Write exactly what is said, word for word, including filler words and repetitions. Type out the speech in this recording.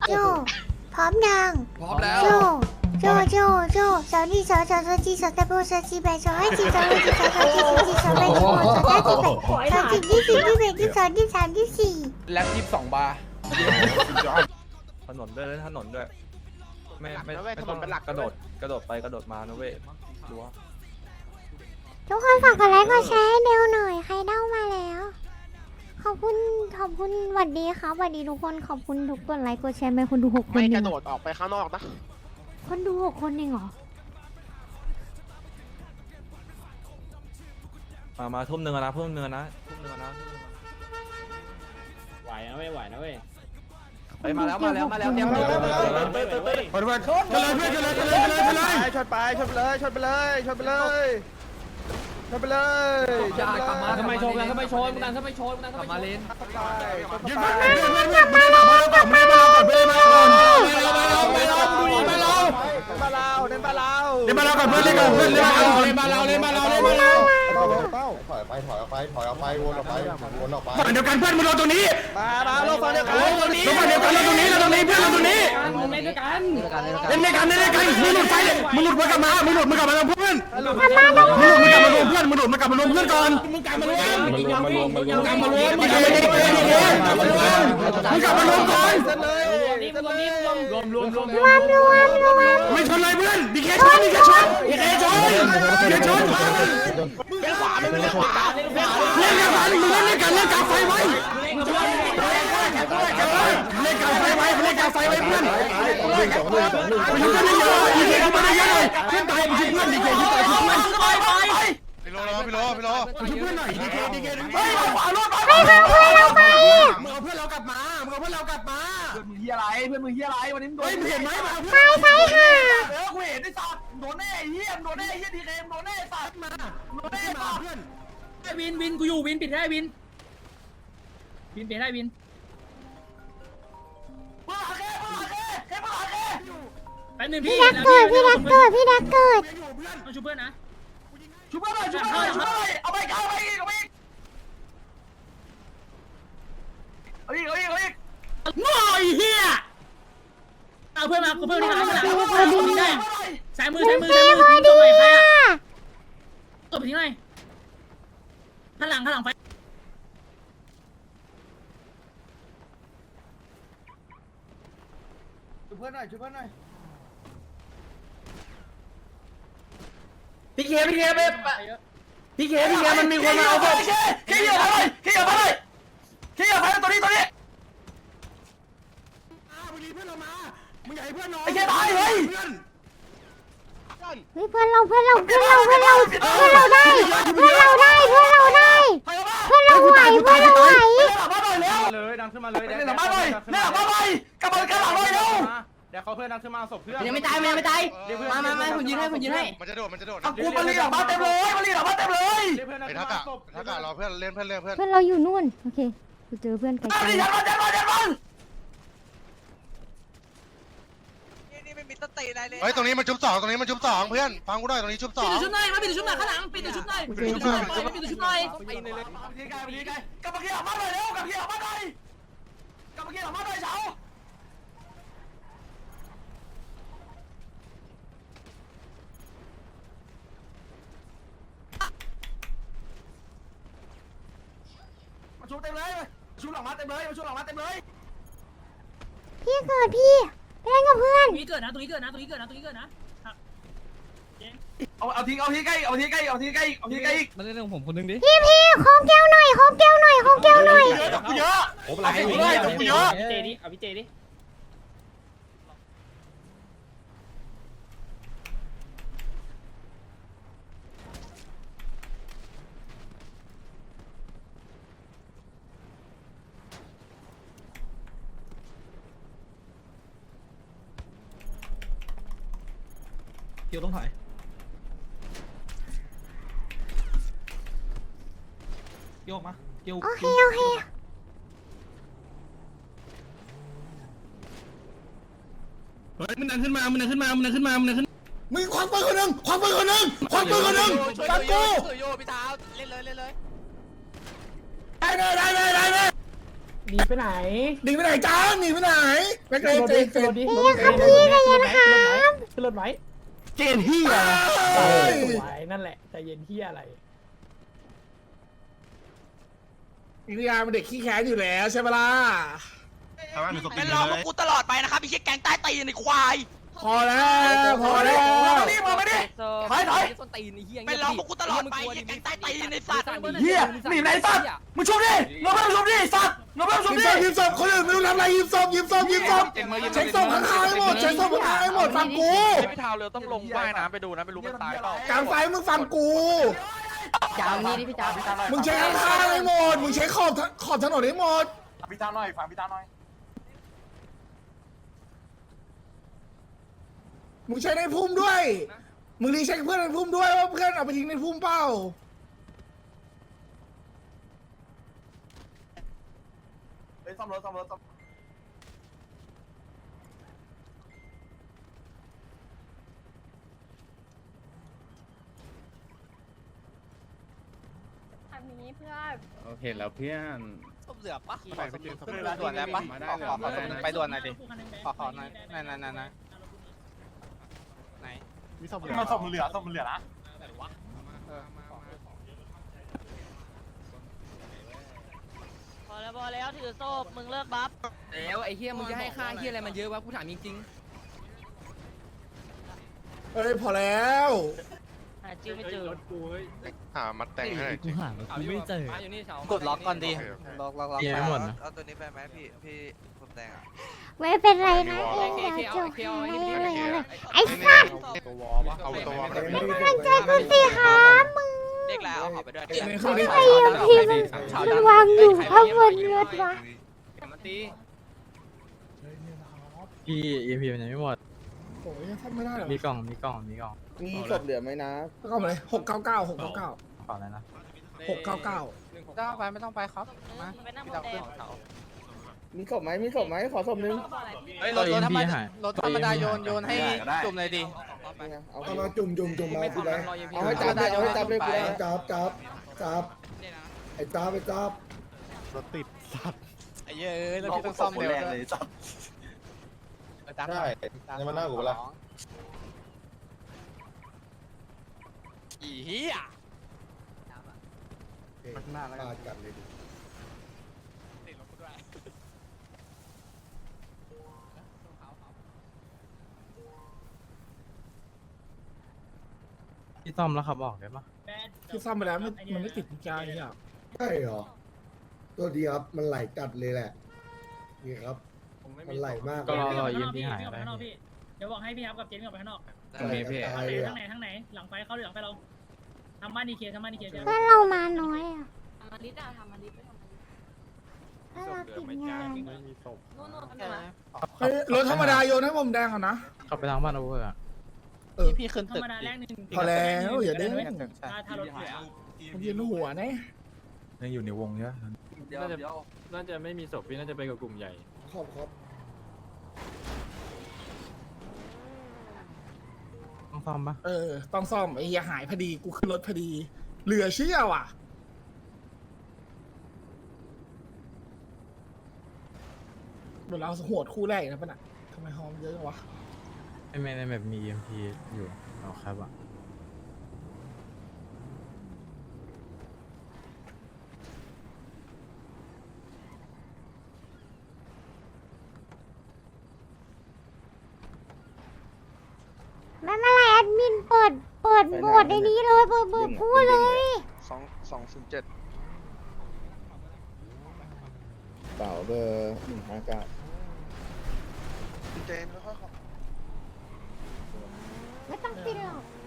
โจพร้อมยังพร้อมแล้วโจโจโจโจสาวนี่สาวสาวสาวจีสาวตะโบสาวจีแบสาวให้จีสาวให้จีสาวสาวจีสาวจีสาวแบสาวสาวจีแบสาวจีที่สี่ที่แบที่สองที่สามที่สี่แล็บยี่สิบสองบาร์ถนนด้วยถนนด้วยไม่ไม่ไม่ต้องกระโดดกระโดดไปกระโดดมานะเว้ยรู้ว่าทุกคนฝากกดไลค์กดแชร์ให้เดวหน่อยใครเด้ามาแล้วขอบคุณขอบคุณสวัสดีครับสวัสดีทุกคนขอบคุณทุกกดไลค์กดแชร์ไปคนดูหกคนไม่เอก งระโดดออกไปข้างนอกนะคนดูหกคนเองเหรอมามาทุ่มหนึ่งนะทุ่มหนึ่งนะทุ่มหนึ่งนะไหวนะเว้ยไหวนะเว้ยไปมาแล้วมาแล้วมาแล้วเตรียมตัวเปิดเปิดเปิดเปิดเปิดชนเลยเพื่อนชนเลยชนเลยชนเลยชนเลยชนไปชนไปเลยชนไปเลยชนไปเลยชนไปเลยอย่ากลับมาทำไมชนกันทำไมชนกันทำไมชนกันกลับมาเลนยืนมาเพื่อนเพื่อนเพื่อนเพื่อนมาแล้วก่อนไม่มาแล้วก่อนไม่มาแล้วก่อนไม่มาแล้วไม่มาแล้วไม่มาแล้วบ้านเราเล่นบ้านเราเล่นมาแล้วก่อนเพื่อนเล่นก่อนเพื่อนเล่นมาแล้วเล่นมาแล้วเล่นมาแล้วเล่นมาแล้วเต้าเต้าถอยไปถอยออกไปถอยออกไปวนออกไปวนออกไปฝั่งเดียวกันเพื่อนมึงรอตรงนี้มามาลงฝั่งเดียวกันลงฝั่งเดียวกันเราตรงนี้เราตรงนี้เพื่อนเราตรงนี้มึงเล่นด้วยกันเล่นด้วยกันเล่นด้วยกันมึงหลุดไฟเลยมึงหลุดมากลับมามึงหลุดมากลับมาลงเพื่อนหลุดมึงหลุดมากลับมารวมเพื่อนมึงหลุดมากลับมารวมเพื่อนก่อนมึงกลับมารวมมารวมมารวมมารวมกลับมารวมมึงกลับมาดีๆดีๆมึงกลับมารวมก่อนเส้นเลยนี่มึงนี่มึงรวมรวมรวมรวมรวมรวมไม่ชนเลยเพื่อนดีเคชนดีเคชนดีเคชนดีเคชนเลี้ยวขวาไม่เลี้ยวขวาเล่นกันมึงเล่นกันเล่นกาไฟไว้เล่นกาไฟไว้เล่นกาไฟไว้เพื่อนหนึ่งสองหนึ่งสองหนึ่งไปชุบกันเยอะดีเคชุบกันเยอะเลยเพื่อนตายไปชุบเพื่อนดีเคชุบตายชุบเพื่อนพี่โลพี่โลพี่โลไปชุบเพื่อนหน่อยดีเคดีเคดึงไปไปทางเพื่อนเราไปมึงเอาเพื่อนเรากลับมามึงเอาเพื่อนเรากลับมามึงเฮียอะไรเพื่อนมึงเฮียอะไรวันนี้มึงโดเฮ้ยนมึงเห็นไหมมาใช่เพื่อนใช่ค่ะเออกูเห็นไอ้สัตว์โดนแน่ไอ้เฮียโดนแน่ไอ้เฮียดีเคมโดนแน่ไอ้สัตว์มาโดนแน่ไอ้มาสัตว์เพื่อนวินวินกูอยู่วินปิดให้วินวินปิดให้วินมาหาแค่มาหาแค่แค่มาหาแค่แป๊บนึงพี่พี่ดักเกิดพี่ดักเกิดพี่ดักเกิดอยู่เพื่อนต้องช่วยเพื่อนนะชุบเพื่อนหน่อยชุบเพื่อนหน่อยชุบเพื่อนหน่อยเอาไปเอาไปอีกเอาไปอีกเอาอีกเอาอีกเอาอีกโง่ไอ้เหี้ยเอาเพื่อนมาเพื่อนที่หลังที่หลังเอาทิ้งได้สายมือสายมือเท่สายมือพอทิ้งดีตัวใหม่ใครอ่ะอะตัวไปทิ้งหน่อยข้างหลังข้างหลังไฟชุบเพื่อนหน่อยชุบเพื่อนหน่อยพี่เคพี่เคไปพี่เคพี่เคมันมีคนมาเอาศพเคเคเหยียบไปเลยเคเหยียบไปเลยเคเหยียบไปเลยตัวนี้ตัวนี้มึงรีเพื่อนเรามามึงอย่าให้เพื่อนนอนไอ้เคตายเลยเพื่อนเฮ้ยเพื่อนเราเพื่อนเราเพื่อนเราเพื่อนเราเพื่อนเราได้เพื่อนเราได้เพื่อนเราได้ไปเอามาเพื่อนเราไหวเพื่อนเราไหวเล่นหลังบ้านหน่อยเร็วเลยดังขึ้นมาเลยเล่นหลังบ้านหน่อยเล่นหลังบ้านหน่อยกลับมากลับหลังหน่อยเร็วเดี๋ยวเขาเพื่อนดังขึ้นมาศพเพื่อนยังไม่ตายยังไม่ตายมามามาผมยืนให้ผมยืนให้มันจะโดดมันจะโดดเอากูมาลีหลังบ้านเต็มเลยมาลีหลังบ้านเต็มเลยเพื่อนดังไอ้ขึ้นทักมาอะศพทักอะรอเพื่อนเล่นเพื่อนเล่นเพื่อนเพื่อนเราอยู่นู่นโอเคกูเจอเพื่อนไกลเอาดิยันมันยันมันยันมันเฮ้ยตรงนี้มันชุบสองตรงนี้มันชุบสองเพื่อนฟังกูหน่อยตรงนี้ชุบสองปิดชุดหน่อยมาปิดชุดหน่อยข้างหลังปิดชุดหน่อยปิดชุดหน่อยปิดชุดหน่อยดีไกลดีไกลกลับมาเกี่ยวมาหน่อยเร็วกลับมาเกี่ยวมาหน่อยกลับมาเกี่ยวมาหน่อยเช้ามาชูเต็มเลยชูหลังมาเต็มเลยมาชูหลังมาเต็มเลยพี่เกิดพี่ไปเล่นกับเพื่อนตรงนี้เกิดนะตรงนี้เกิดนะตรงนี้เกิดนะตรงนี้เกิดนะเอาเอาทิ้งเอาทิ้งใกล้เอาทิ้งใกล้เอาทิ้งใกล้เอาทิ้งใกล้มาเล่นของผมคนนึงดิพี่พี่โคมแก้วหน่อยโคมแก้วหน่อยโคมแก้วหน่อยเยอะดอกกูเยอะโอ้เป็นไรเอาทิ้งเลยดอกกูเยอะพี่เจดิเอาพี่เจดิเกี่ยวต้องถ่ายเกี่ยวออกมาเกี่ยวโอเคโอเคเฮ้ยมันดังขึ้นมามันดังขึ้นมามันดังขึ้นมามันดังขึ้นมึงควักปืนคนหนึ่งควักปืนคนหนึ่งควักปืนคนหนึ่งฟังกูโยพี่เท้าเล่นเลยเล่นเลยได้เลยได้เลยได้เลยหนีไปไหนหนีไปไหนจ้าหนีไปไหนแม็กเรนเจนเจนพี่ครับพี่ใจเย็นครับขึ้นรถไหมเจนเฮียเฮ้ยสวยนั่นแหละใจเย็นที่อะไรอิริยาเป็นเด็กขี้แค้นอยู่แล้วใช่ปะล่ะเป็นรอพวกกูตลอดไปนะครับไอ้เชี่ยแก๊งใต้ตีนไอ้ควายพอแล้วพอแล้วมาดิมาดิถอยถอยส้นตีนไอ้เหี้ยเป็นรอพวกกูตลอดไปไอ้เชี่ยแก๊งใต้ตีนไอ้สัตว์เหี้ยหนีไหนสัตว์มึงชุบดิลงมาชุบดิสัตว์ลงมาชุบยิบดิศพยิบศพคนอื่นไม่รู้ทำอะไรยิบศพยิบศพยิบศพเช็คศพข้างๆให้หมดเช็คศพข้างๆให้หมดฟังกูพี่เท้าเรือต้องลงว่ายน้ำไปดูนะไม่รู้มันตายเปล่ากลางไฟมึงฟังกูจ้านี่ดิพี่จ้าพี่จ้ามึงเช็คข้างๆให้หมดมึงเช็คขอบขอบถนนให้หมดพี่ตาหน่อยฟังพี่ตาหน่อยมึงเช็คในพุ่มด้วย มึงรีเช็คเพื่อนในพุ่มด้วยว่าเพื่อนเอาไปทิ้งในพุ่มเปล่าเฮ้ยซ่อมรถซ่อมรถซ่อมทำนี้เพื่อโอเคแล้วเพื่อนส้มเหลือปะไปไปเจอขึ้นด่วนแล้วปะขอขอขอไปด่วนหน่อยดิขอขอหน่อยนั่นนั่นนั่นไหนมีซ่อมเหลือซ่อมเหลือซ่อมเหลือนะไหนวะพอแล้วพอแล้วถือโซ่มึงเลิกบัฟแล้วไอ้เหี้ยมึงจะให้ค่าเหี้ยอะไรมันเยอะวะกูถามจริงเอ้ยพอแล้วหาจิ้วไม่เจอหามัดแต่งให้หน่อยจิๆกูไม่เจออยู่นี่เฉากดล็อกก่อนดิล็อกล็อกล็อกยังไม่หมดนะเอาตัวนี้ไปไหมพี่พี่ผมแต่งอ่ะไม่เป็นไรนะเองเดี๋ยวจบให้อะไรอะไรไอ้สัตว์ตัววอปะเอาตัววอลไปมันใจกูสิครับมึงเด็กแล้วเอาขอไปด้วยไอ้ยังพิมพ์มันวางอยู่ข้างบนรถวะมันตีพี่เอ็มพีมันยังไม่หมดโอ้ยทำไม่ได้หรอมีกล่องมีกล่องมีกล่องมีศพเหลือไหมนะก็มาเลยหกเก้าเก้าหกเก้าเก้าขออะไรนะหกเก้าเก้าไม่ต้องไปไม่ต้องไปครับมาไปนั่งบพี่นดาวแดขึ้งนเขามีศพไหมมีศพไหมขอศพนึงเฮ้ยรถรถธรรมดารถธรรมดาโยนโยนให้จุ่มเลยดินี่ไงเอาเอามาจุ่มจุ่มจุ่มมาไม่สิทำเลมันยรอเย็นพี่เอาให้จับเลยเอาให้จับเลยไปกูจับจับจับไอ้จับไอ้จับรถติดสัตว์ไอ้เย้ยแล้วพี่ต้องซ่อมเร็วเลยใช่ยังมาหน้ากูเปล่าอีเหี้ยมันหน้าแล้วกันเลยดิติดรถกูด้วยพี่ต้อมแล้วขับออกได้ปะที่ซ่อมไปแล้วมันมันไม่ติดกุญแจนี่หรอใช่เหรอตัวดีครับมันไหลจัดเลยแหละนี่ครับมันไหลมากก็รอรอเอ็มพีหายไปไปข้างนอกพี่เดี๋ยวบอกให้พี่ครับกับเจนออกไปข้างนอกตรงนี้พี่ตายเลยทางไหนทางไหนหลังไฟเข้าหรือหลังไฟเราทำบ้านดีเคทำบ้านดีเคเดี๋ยวเพื่อนเรามาน้อยอ่ะทำมาดิจ้าทำมาดิไปทำมาดิเพื่อนเราติดงานไม่มีศพนู่นนู่นทำไมเฮ้ยรถธรรมดาโยนให้ผมแดงก่อนนะขับไปทางบ้านเอาเวอร์อะเออพี่ขึ้นธรตึกรมดาแรกหนึ่งพอแล้วอย่าเด้งถ้าถ้ารถเสียมันยืนหัวนะยังอยู่ในวงเยอะเดี๋ยวเดี๋ยวน่าจะไม่มีศพพี่น่าจะไปกับกลุ่มใหญ่ขอบครับต้องซ่อมปะเออต้องซ่อมไอ้เหี้ยหายพอดีกูขึ้นรถพอดีเหลือเชื่อว่ะเดี๋ยวเราโหดคู่แรกนะปะน่ะทำไมฮอมเยอะจังวะไม่ไม่ในแบบมีเอ็มพีอยู่เอาครับอะไม่เป็นไรแอดมินเปิดเปิดโหมดในนี้เลยเปิดเปิดพูดเลยสองสองศูนย์เจ็ดเปล่าเบอร์หนึ่งห้าเก้าเจนค่อยๆขอไม่ต้องปิดหรอก